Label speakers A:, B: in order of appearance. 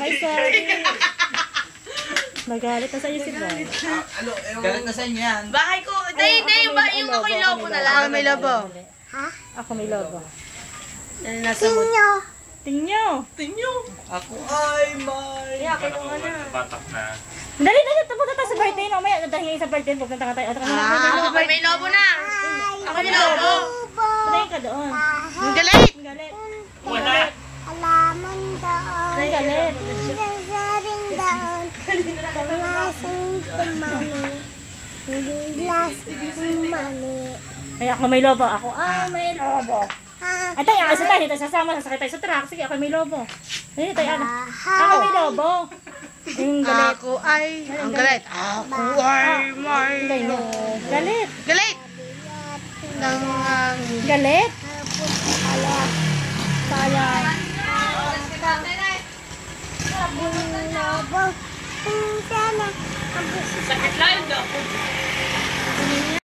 A: Ay, sorry. Magalit na sa'yo si Brian.
B: Galit na sa inyo yan.
C: Bahay ko. Hindi, yung ako'y lobo na lang.
A: Ako may lobo.
D: Ha?
A: Ako may lobo.
D: Tinyo.
A: Tinyo.
B: Ako ay may...
E: Batak na.
A: Dali, tapunta tayo sa birthday. Mamaya, dahil sa birthday, pupunta ka tayo.
C: Ako may lobo na. Ako may lobo.
A: Patayin ka doon.
C: Ang galit.
A: Ang galit.
E: Wala.
D: Alaman doon.
A: Ang galit.
D: Sasaring doon. Kalasing tumani. Bilas tumani.
A: Ay, ako may lobo. Ako, may lobo. Ay, tayo, kasi tayo, dito sasama, sasakay tayo sa truck. Sige, ako may lobo. Ay, tayo, ako may lobo. Yung galit.
C: Ako ay... Ang galit. Ako ay may...
A: Galit.
C: Galit.
A: Galit.
D: Sayang. Sabong lobo. Sana.
C: Sakit lang ako.